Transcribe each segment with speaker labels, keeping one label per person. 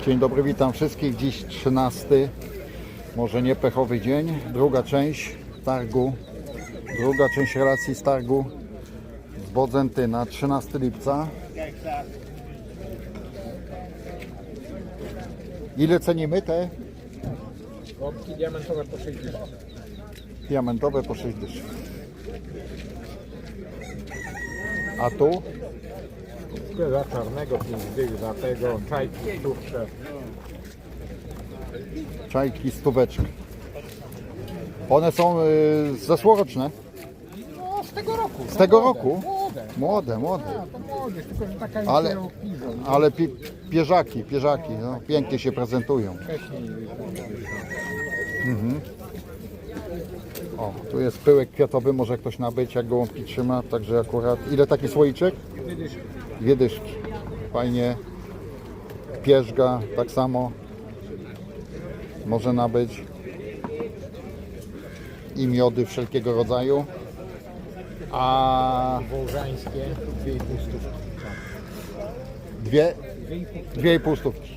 Speaker 1: Dzień dobry, witam wszystkich. Dziś 13, może nie pechowy dzień, druga część targu, druga część relacji z targu z Bodzentyna, 13 lipca. Ile cenimy te?
Speaker 2: Łapki diamentowe po 6 dyszek.
Speaker 1: Diamentowe po 6 dyszek. A tu?
Speaker 2: Za czarnego 5 dych, za tego czajki stówcze.
Speaker 1: Czajki, stóweczki. One są zeszłoroczne?
Speaker 2: No z tego roku.
Speaker 1: Z tego roku?
Speaker 2: Młode.
Speaker 1: Młode.
Speaker 2: A, to młode, tylko że taka
Speaker 1: Ale-
Speaker 2: jest piwo.
Speaker 1: Ale pierzaki, no, pięknie się prezentują.
Speaker 2: Wcześniej
Speaker 1: O, tu jest pyłek kwiatowy, może ktoś nabyć, jak gołąbki trzyma, także akurat... Ile taki słoiczek? Dwie dyszki. Fajnie. Pierzga, tak samo. Może nabyć. I miody wszelkiego rodzaju. A
Speaker 2: wołżańskie 2,5 stówki.
Speaker 1: dwie? 2,5 stówki.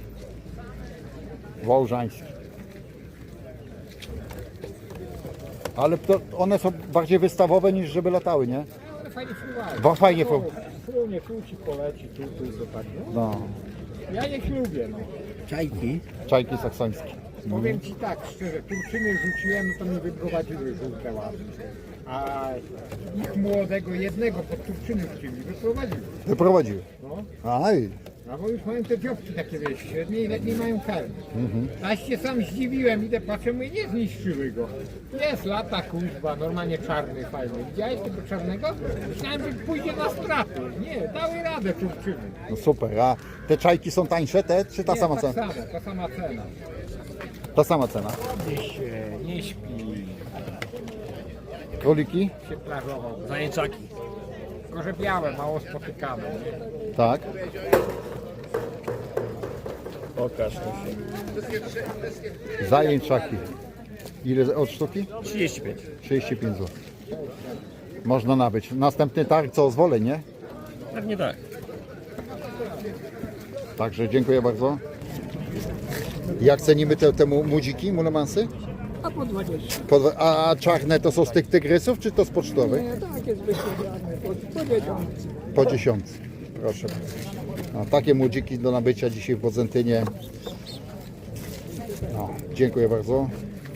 Speaker 1: Wołżańskie. Ale to one są bardziej wystawowe niż żeby latały, nie?
Speaker 2: Ale fajnie fruwają.
Speaker 1: Fajnie
Speaker 2: Frunie, tu ci poleci, tu to tak. No.
Speaker 1: No,
Speaker 2: Ja ich lubię, no.
Speaker 3: Czajki.
Speaker 1: czajki saksońskie.
Speaker 2: Powiem ci tak szczerze, turczyny rzuciłem, to mi wyprowadziły żółte ładne. A ich młodego jednego pod turczyny chcieli, wyprowadziły.
Speaker 1: Wyprowadziły.
Speaker 2: No.
Speaker 1: Aj,
Speaker 2: No bo już mają te dziobki takie, wiesz, średnie i lepiej mają karmy. Aż się sam zdziwiłem, idę patrzę, mówię, nie zniszczyły go. Jest lata kuźba, normalnie czarny, fajny. Widziałeś tego czarnego? Myślałem, że pójdzie na straty. Nie, dały radę turczyny.
Speaker 1: no super. A te czajki są tańsze, te czy ta
Speaker 2: Nie,
Speaker 1: sama
Speaker 2: tak
Speaker 1: cena?
Speaker 2: samo, ta sama cena.
Speaker 1: Ta sama cena.
Speaker 2: Nie śpi,
Speaker 1: Króliki?
Speaker 2: się plażował.
Speaker 3: Zajęczaki.
Speaker 2: Tylko, że białe, mało spotykane. Nie?
Speaker 1: Tak.
Speaker 3: Pokaż to się.
Speaker 1: Zajęczaki. Ile od sztuki?
Speaker 3: 35.
Speaker 1: 35 zł. Można nabyć. Następny targ co zwolę, nie?
Speaker 3: Pewnie tak.
Speaker 1: Także dziękuję bardzo. Jak cenimy te młodziki, mulemansy?
Speaker 4: A po 20.
Speaker 1: A czarne to są z tych tygrysów, czy to z pocztowych?
Speaker 4: Nie, takie zwykłe grane, po 10.
Speaker 1: Po 10. Proszę. A takie młodziki do nabycia dzisiaj w Bodzentynie. No, dziękuję bardzo.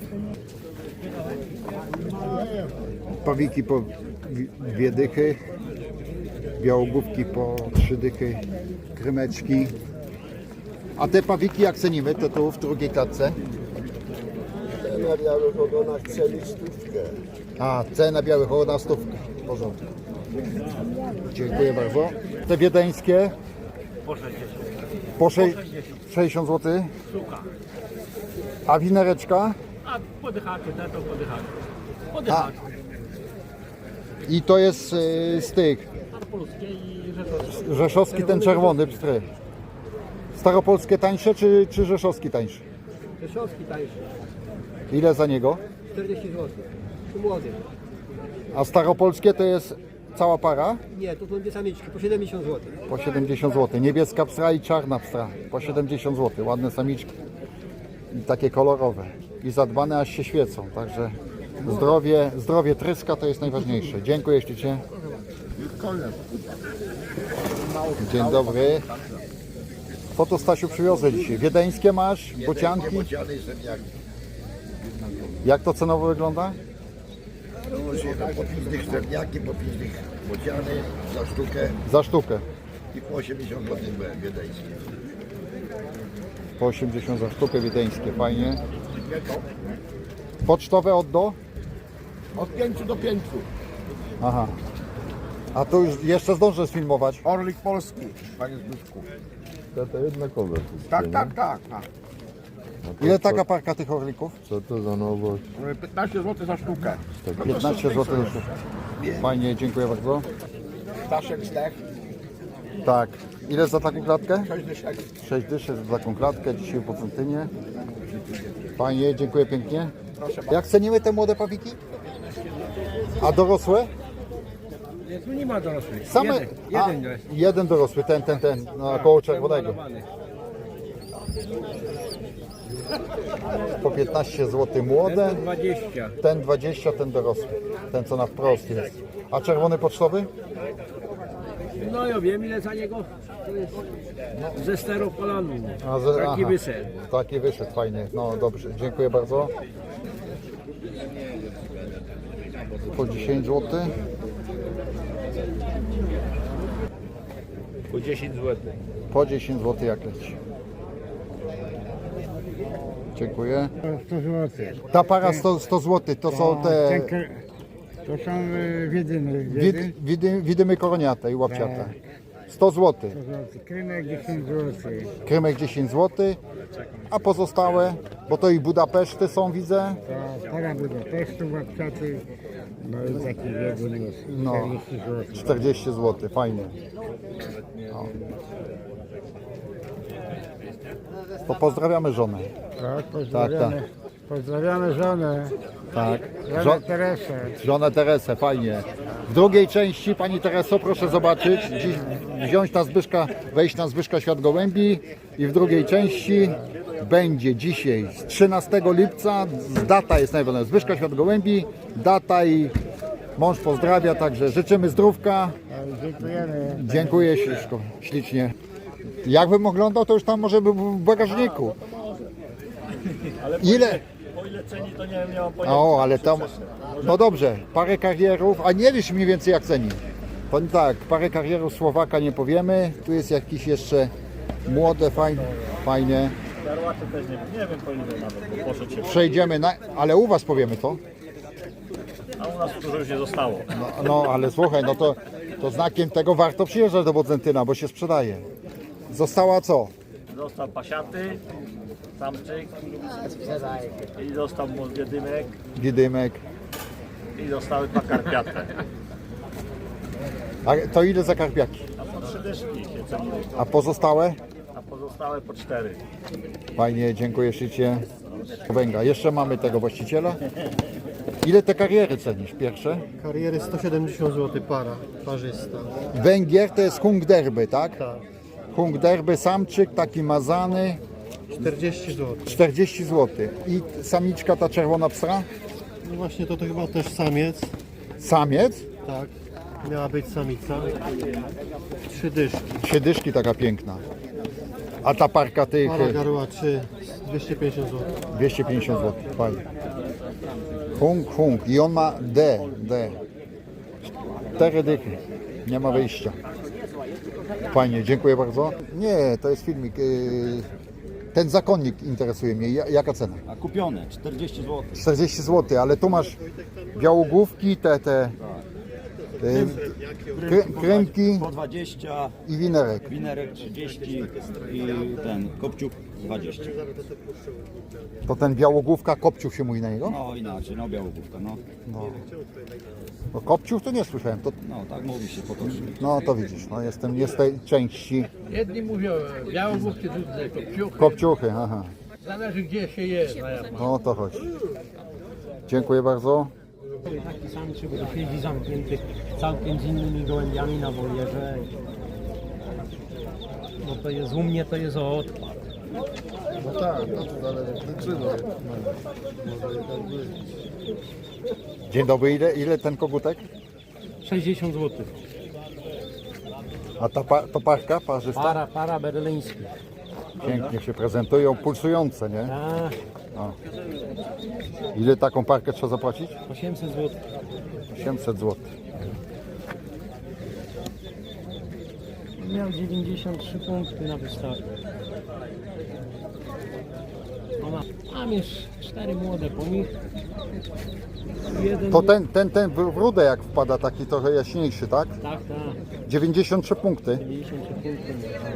Speaker 1: Pawiki po 2 dychy. Białogłówki po 3 dychy. Krymeczki. A te pawiki jak cenimy? To tu w drugiej klatce.
Speaker 5: Na białych ogonach celi stówkę.
Speaker 1: A, cena białych ogon na stówkę. W porządku. Dziękuję bardzo. Te wiedeńskie? Po 60 zł. A winereczka?
Speaker 3: A podychacie, to podychacie.
Speaker 1: A.
Speaker 3: Podychacie.
Speaker 1: I to jest z tych.
Speaker 3: Polskie i rzeczowskie.
Speaker 1: Rzeszowski ten czerwony pstry. Staropolskie tańsze czy rzeszowski tańszy?
Speaker 4: Rzeszowski tańszy,
Speaker 1: Ile za niego?
Speaker 4: 40 zł. Tu młody.
Speaker 1: A staropolskie to jest cała para?
Speaker 4: Nie, to są dwie samiczki, po 70 zł.
Speaker 1: Po 70 zł. Niebieska pstra i czarna pstra. Po 70 zł. Ładne samiczki. I takie kolorowe. I zadbane aż się świecą. Także zdrowie tryska to jest najważniejsze. Dziękuję ślicznie. Dzień dobry. Co to Stasiu przywiozę dzisiaj? Wiedeńskie masz? Bocianki? Jak to cenowo wygląda?
Speaker 5: Różnie, tak, po 5 dych srebrniaki, po 5 dych bociany za sztukę
Speaker 1: Za sztukę.
Speaker 5: i po 80 zł wiedeńskie.
Speaker 1: Po 80 za sztukę wiedeńskie. Fajnie. Pocztowe od do?
Speaker 5: Od 5 do 5.
Speaker 1: Aha. A tu już jeszcze zdążę sfilmować.
Speaker 5: Orlik polski, panie Zbyszku.
Speaker 6: To jednakowe.
Speaker 5: Tak.
Speaker 1: Ile taka parka tych orlików?
Speaker 6: Co to za nowość?
Speaker 5: 15 zł za sztukę.
Speaker 1: 15 zł. Fajnie, dziękuję bardzo.
Speaker 5: Staszek zdech,
Speaker 1: Tak. Ile za taką klatkę?
Speaker 5: 6 dyszek.
Speaker 1: 6 dyszy za taką klatkę dzisiaj w Bodzentynie. Fajnie, dziękuję pięknie. Jak cenimy te młode pawiki? A dorosłe?
Speaker 3: Tu nie ma dorosłych.
Speaker 1: Same. Jeden dorosły, ten, no, koło czerwonego. Po 15 zł młode,
Speaker 2: 20.
Speaker 1: ten 20, ten dorosły. Ten co na wprost jest. A czerwony pocztowy?
Speaker 3: No ja wiem ile za niego. To jest ze steropolanu.
Speaker 1: A,
Speaker 3: Taki wyszedł.
Speaker 1: Taki wyszedł, fajnie. No dobrze, dziękuję bardzo. Po 10 zł.
Speaker 3: Po 10 zł.
Speaker 1: Po 10 zł jak leci. Dziękuję.
Speaker 7: 100 zł.
Speaker 1: Ta para 100 zł to są te
Speaker 7: To są wiedyny.
Speaker 1: widymy koroniate i łapciate. 100 zł.
Speaker 7: Krymek 10 zł.
Speaker 1: Krymek 10 zł. A pozostałe, bo to i Budapeszty są, widzę.
Speaker 7: To para Budapesztu, łapciaty. No i taki wiedyn jest.
Speaker 1: No.
Speaker 7: 40 zł.
Speaker 1: 40 zł, fajnie. No. To pozdrawiamy żonę.
Speaker 7: Tak, pozdrawiamy. Pozdrawiamy żonę.
Speaker 1: Tak.
Speaker 7: Żonę Teresę.
Speaker 1: Żonę Teresę, fajnie. W drugiej części, Pani Tereso, proszę zobaczyć, dziś wziąć na Zbyszka, wejść na Zbyszka Świat Gołębi i w drugiej części będzie dzisiaj z 13 lipca, data jest najważniejsza, Zbyszka Świat Gołębi, data i mąż pozdrawia, także życzymy zdrówka.
Speaker 7: Dziękujemy.
Speaker 1: Dziękuję ślicznie. Jakbym oglądał, to już tam może by był w bagażniku. Ile?
Speaker 3: O ile ceni to nie miałem pojęcia.
Speaker 1: O, ale tam, no dobrze, parę karierów, a nie wiesz mniej więcej jak ceni. Powiem tak, parę karierów Słowaka nie powiemy, tu jest jakiś jeszcze młode, fajnie.
Speaker 3: Karłaty też nie wiem po ile nawet, bo poszedł się.
Speaker 1: Przejdziemy, ale u Was powiemy to.
Speaker 3: A u nas dużo już nie zostało.
Speaker 1: No ale słuchaj, no to znakiem tego warto przyjeżdżać do Bodzentyna, bo się sprzedaje. Została co?
Speaker 3: Został pasiaty, samczyk i został wiedymek
Speaker 1: Gidymek.
Speaker 3: i zostały dwa karpiate.
Speaker 1: A to ile za karpiaki?
Speaker 3: A po 3 dyszki się ceniło,
Speaker 1: A pozostałe?
Speaker 3: a pozostałe po 4.
Speaker 1: Fajnie, dziękuję ślicznie. Węga. Jeszcze mamy tego właściciela. Ile te kariery cenisz? Pierwsze?
Speaker 8: Kariery 170 zł para, parzysta.
Speaker 1: Węgier to jest hung derby, tak?
Speaker 8: Tak.
Speaker 1: Hung derby, samczyk, taki mazany,
Speaker 8: 40 zł.
Speaker 1: 40 zł. I samiczka ta czerwona psra?
Speaker 8: No właśnie to chyba też samiec.
Speaker 1: Samiec?
Speaker 8: Tak. Miała być samica. 3 dyszki.
Speaker 1: 3 dyszki taka piękna. A ta parka tych
Speaker 8: Para garła 3, 250 zł.
Speaker 1: 250 zł. Fajnie. Hung. I on ma D. 4 dychy. Nie ma wyjścia. Fajnie, dziękuję bardzo. Nie, to jest filmik. Ten zakonnik interesuje mnie. Jaka cena?
Speaker 9: A kupione 40 zł.
Speaker 1: 40 zł, ale tu masz białogłówki, te kręki
Speaker 9: Po 20,
Speaker 1: i winerek.
Speaker 9: winerek 30 i ten kopciuk 20.
Speaker 1: To ten białogłówka, kopciuch się mówi na niego?
Speaker 9: No inaczej, no białogłówka, no.
Speaker 1: No kopciuch to nie słyszałem.
Speaker 9: No tak mówi się potocznie.
Speaker 1: No to widzisz, no jestem z tej części.
Speaker 2: Jedni mówią białogłówki, drudzy kopciuchy.
Speaker 1: Kopciuchy, aha.
Speaker 2: Zależy gdzie się je.
Speaker 1: No to chodź. Dziękuję bardzo.
Speaker 4: Taki samczyk, który siedzi zamknięty całkiem z innymi gołębiami na wolierze. No to jest u mnie, to jest odpad.
Speaker 6: No tak, no to ale przyczyny.
Speaker 1: Dzień dobry, ile ten kogutek?
Speaker 4: 60 zł.
Speaker 1: A to parka parzysta?
Speaker 4: Para berliński.
Speaker 1: Pięknie się prezentują, pulsujące, nie?
Speaker 4: Tak,
Speaker 1: Ile taką parkę trzeba zapłacić?
Speaker 4: 800 zł.
Speaker 1: 800 zł.
Speaker 4: Miał 93 punkty na wystawie. Mam już 4 młode po nich. Jeden
Speaker 1: To ten w rudę jak wpada, taki trochę jaśniejszy, tak?
Speaker 4: Tak.
Speaker 1: 93 punkty.
Speaker 4: 93 punkty.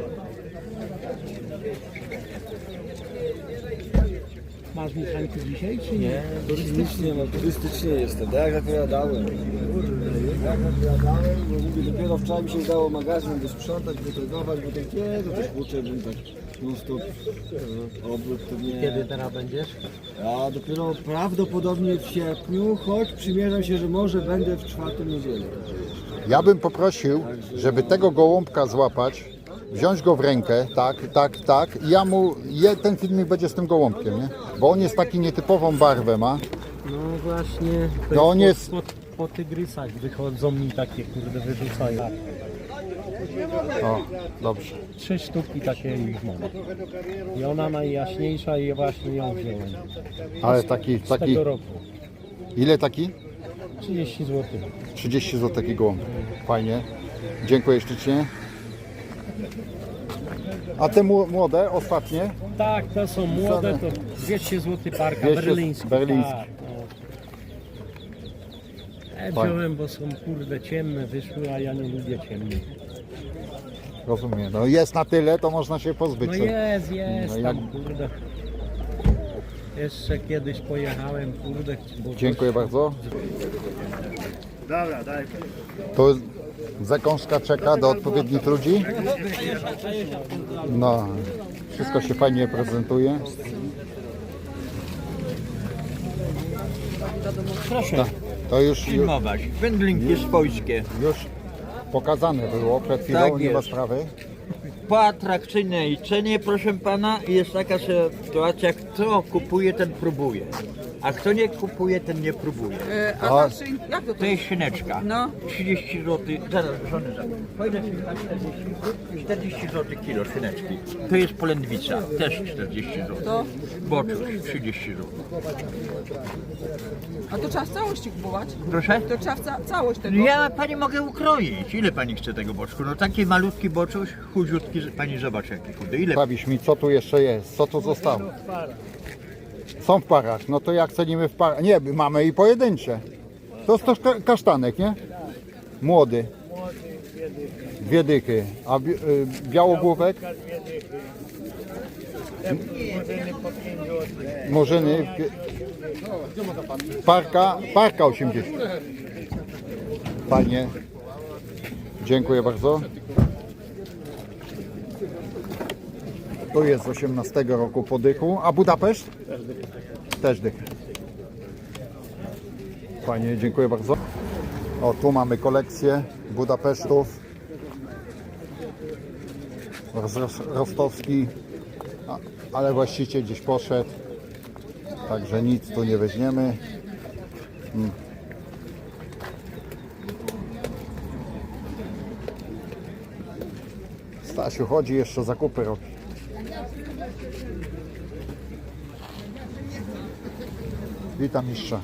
Speaker 4: Masz mechaniki dzisiaj, czy nie?
Speaker 10: Turystycznie, no turystycznie jestem, tak jak opowiadałem. Bo mówię, dopiero wczoraj mi się udało magazyn wysprzątać, wytrygować, bo tak kiedy też kurczę, bym tak non stop obrót to nie.
Speaker 4: Kiedy teraz będziesz?
Speaker 10: A dopiero prawdopodobnie w sierpniu, choć przymierzam się, że może będę w 4. niedzielę.
Speaker 1: Ja bym poprosił, żeby tego gołąbka złapać, wziąć go w rękę, tak, i ja mu, ten filmik będzie z tym gołąbkiem, nie? Bo on jest taki nietypową barwę ma.
Speaker 4: No właśnie, to
Speaker 1: No on jest-
Speaker 4: po tygrysach wychodzą mi takie, kurde, wyrzucają.
Speaker 1: O, dobrze.
Speaker 4: 3 sztuki takie ich mam. I ona najjaśniejsza i właśnie ją wziąłem.
Speaker 1: Ale taki,
Speaker 4: Z tego roku.
Speaker 1: ile taki?
Speaker 4: 30 zł.
Speaker 1: 30 zł taki gołąb. Fajnie. Dziękuję ślicznie. A te młode, ostatnie?
Speaker 4: Tak, to są młode, to 200 zł parka,
Speaker 1: 200
Speaker 4: berliński.
Speaker 1: berliński.
Speaker 4: Tak, no. Ja wziąłem, bo są kurde ciemne, wyszły, a ja nie lubię ciemnych.
Speaker 1: Rozumiem. No jest na tyle, to można się pozbyć.
Speaker 4: No
Speaker 1: co?
Speaker 4: jest,
Speaker 1: No
Speaker 4: tam kurde. Jeszcze kiedyś pojechałem, kurde. Bo
Speaker 1: Dziękuję bardzo.
Speaker 6: Dobra, daj.
Speaker 1: To zakąska czeka do odpowiednich ludzi. No, wszystko się fajnie prezentuje.
Speaker 9: Proszę
Speaker 1: To już
Speaker 9: filmować. Wędlinki swojskie.
Speaker 1: pokazane było przed chwilą,
Speaker 9: Tak
Speaker 1: nie ma
Speaker 9: jest.
Speaker 1: sprawy.
Speaker 9: Po atrakcyjnej cenie, proszę pana, jest taka sytuacja, kto kupuje, ten próbuje. A kto nie kupuje, ten nie próbuje.
Speaker 11: A ta szyn... jak to
Speaker 9: To jest szyneczka.
Speaker 11: No.
Speaker 9: 30 zł. Zaraz, żony za. Pojdę 40 zł kilo szyneczki. To jest polędwica, też 40 zł.
Speaker 11: To?
Speaker 9: Boczuś 30 zł.
Speaker 11: A to trzeba w całości kupować?
Speaker 9: Proszę?
Speaker 11: To trzeba całość tego?
Speaker 9: Ja pani mogę ukroić. Ile pani chce tego boczku? No taki malutki boczuś, chudziutki, pani zobaczy jaki chudy. Ile?
Speaker 1: Sprawisz mi, co tu jeszcze jest, co tu zostało. Są w parach, no to jak cenimy w parach? Nie, mamy i pojedyncze. To jest też kasztanek, nie? Młody. 2 dychy. A białogłówek? Murzyny. Parka 80. Fajnie. Dziękuję bardzo. Tu jest z 18 roku podychu. A Budapeszt? Też dych. Fajnie, dziękuję bardzo. O, tu mamy kolekcję Budapesztów. Rostowski, ale właściciel gdzieś poszedł. Także nic tu nie weźmiemy. Stasiu chodzi, jeszcze zakupy robi. Witam mistrza.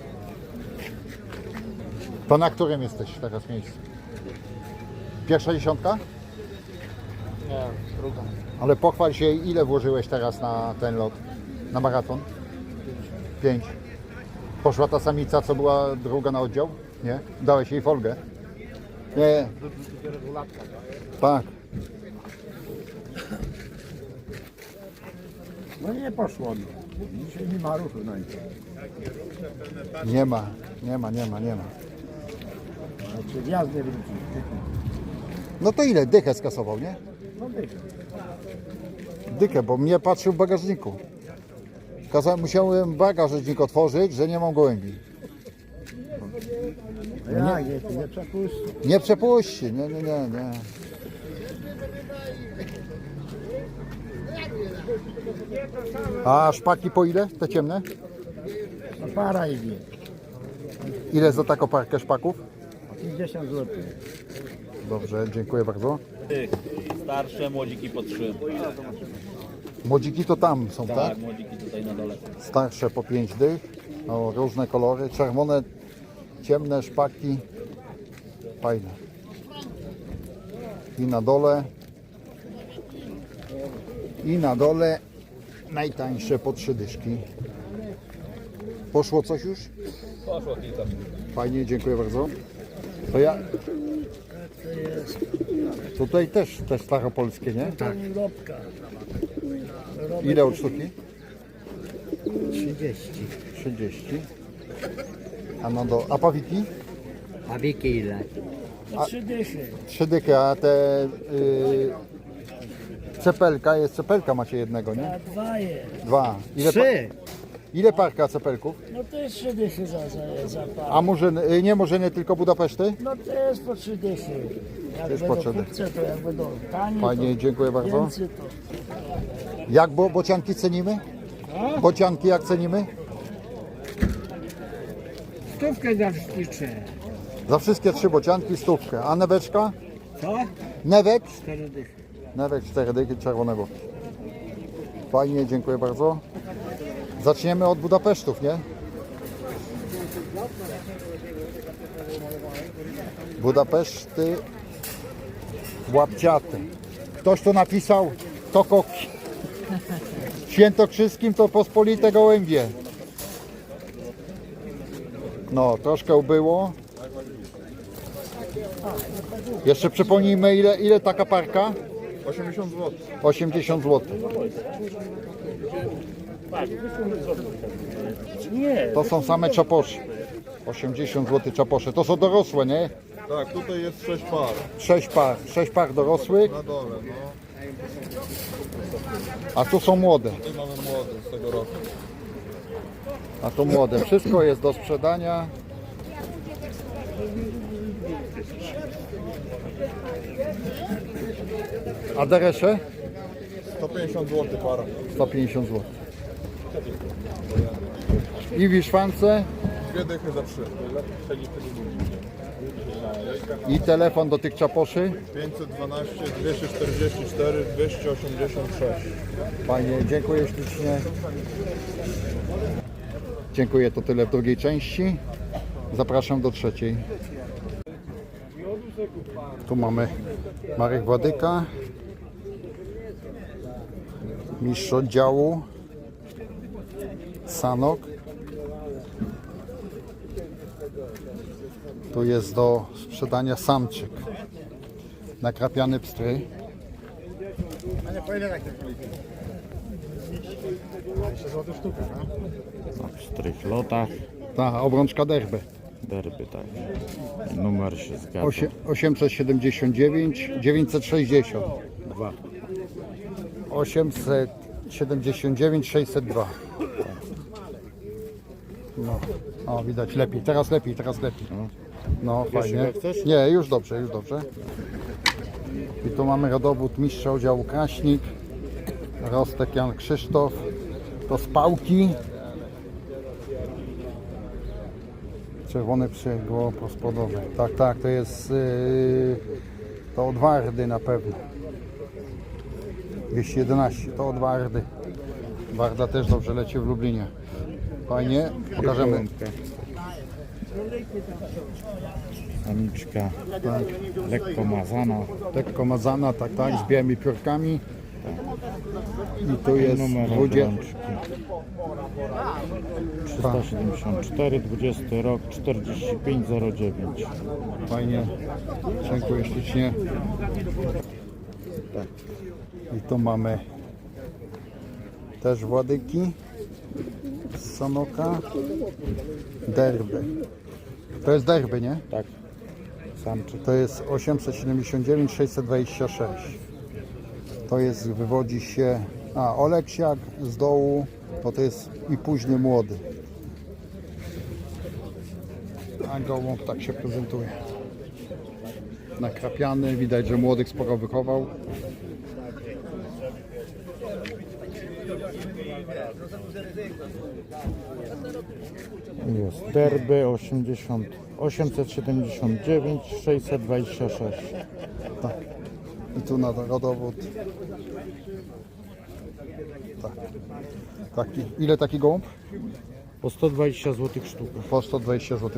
Speaker 1: To na którym jesteś teraz miejscu? Pierwsza dziesiątka?
Speaker 2: Nie, druga.
Speaker 1: Ale pochwal się, ile włożyłeś teraz na ten lot? Na maraton? 5. Poszła ta samica, co była druga na oddział? Nie? Dałeś jej folgę? Nie. Tak.
Speaker 7: No nie poszło mi. Dzisiaj nie ma ruchu na nic.
Speaker 1: Nie ma.
Speaker 7: Znaczy wjazd nie wróci.
Speaker 1: No to ile? Dychę skasował, nie?
Speaker 7: No dycha.
Speaker 1: Dychę, bo mnie patrzył w bagażniku. Musiałem bagażnik otworzyć, że nie mam gołębi.
Speaker 7: Jak jest, nie przepuści.
Speaker 1: Nie przepuści, nie. A szpaki po ile? Te ciemne?
Speaker 7: No para idzie.
Speaker 1: Ile za taką parkę szpaków?
Speaker 7: 50 zł.
Speaker 1: Dobrze, dziękuję bardzo.
Speaker 9: Starsze młodziki po 3.
Speaker 1: Młodziki to tam są, tak?
Speaker 9: Młodziki tutaj na dole.
Speaker 1: Starsze po 5 dych. O, różne kolory. Czerwone, ciemne szpaki. Fajne. I na dole najtańsze po 3 dyszki. Poszło coś już?
Speaker 9: Poszło kilka.
Speaker 1: Fajnie, dziękuję bardzo. To ja... Tutaj też te staropolskie, nie? Tak. Ile od sztuki? 30. A pawiki?
Speaker 4: A wieki ile?
Speaker 1: 3 dychy, a te cepelka macie jednego, nie?
Speaker 7: 2 jest.
Speaker 1: 2. Ile parka cepelków?
Speaker 7: No to jest 3 dychy za par.
Speaker 1: A murzyny, nie murzyny, tylko Budapeszty?
Speaker 7: No to jest po 3 dychy.
Speaker 1: Też potrzeby.
Speaker 7: To jakby do tani,
Speaker 1: Fajnie, dziękuję bardzo.
Speaker 7: więcej to.
Speaker 1: Jak bocianki cenimy? Bocianki jak cenimy?
Speaker 7: Stówkę za wszystkich trzech.
Speaker 1: Za wszystkie 3 bocianki stówkę. A neweczka?
Speaker 7: Co?
Speaker 1: Newek?
Speaker 7: 4 dychy.
Speaker 1: Newek 4 dychy czerwonego. Fajnie, dziękuję bardzo. Zaczniemy od Budapesztów, nie? Budapeszty łapciaty. Ktoś tu napisał, to koki. W Świętokrzyskim to pospolite gołębie. No, troszkę ubyło. Jeszcze przypomnijmy, ile taka parka?
Speaker 6: 80 zł.
Speaker 1: 80 zł. To są same czaposze. 80 zł czaposze. To są dorosłe, nie?
Speaker 6: Tak, tutaj jest 6 par
Speaker 1: 6 par dorosłych,
Speaker 6: na dole, no.
Speaker 1: a tu są młode.
Speaker 6: Tutaj mamy młode z tego roku.
Speaker 1: A tu młode. Wszystko jest do sprzedania. A deresze?
Speaker 6: 150 zł para.
Speaker 1: 150 zł. I wiszwance.
Speaker 6: 2 dychy za 3.
Speaker 1: I telefon do tych czaposzy.
Speaker 6: 512, 244, 286.
Speaker 1: Fajnie, dziękuję ślicznie. Dziękuję, to tyle w drugiej części. Zapraszam do trzeciej. Tu mamy Marek Władyka, mistrz oddziału, Sanok. Tu jest do sprzedania samczyk, nakrapiany pstry.
Speaker 12: W strychlotach,
Speaker 1: Ta obrączka derby.
Speaker 12: derby, tak. Numer się zgadza.
Speaker 1: 879 960 2. 879 602. No, o widać lepiej, teraz lepiej, teraz lepiej. No fajnie.
Speaker 12: jak chcesz?
Speaker 1: Nie, już dobrze, już dobrze. I tu mamy rodowód mistrza oddziału Kraśnik, Rostek Jan Krzysztof, to z Pałki. Czerwony przygło prospodowy. Tak, tak, to jest to od Wardy na pewno. 211, to od Wardy. Warda też dobrze leci w Lublinie. Fajnie, pokażemy.
Speaker 12: Samiczka lekko mazana.
Speaker 1: Lekko mazana, tak, tak, z białymi piórkami. I tu jest
Speaker 12: Numer
Speaker 1: 20.
Speaker 12: obrączki. 374, 20 rok, 4509.
Speaker 1: Fajnie, dziękuję ślicznie. I tu mamy też Władyki z Sanoka. Derby. To jest derby, nie?
Speaker 12: Tak. Samczyk.
Speaker 1: To jest 879 626. To jest, wywodzi się, Oleksiak z dołu, to jest i późny młody. A gołąb tak się prezentuje. Nakrapiany, widać, że młodych sporo wychował.
Speaker 12: Jest derby 879 626.
Speaker 1: Tak. I tu na rodowód. Tak. Taki. Ile taki gołąb?
Speaker 12: Po 120 zł sztuka.
Speaker 1: Po 120 zł.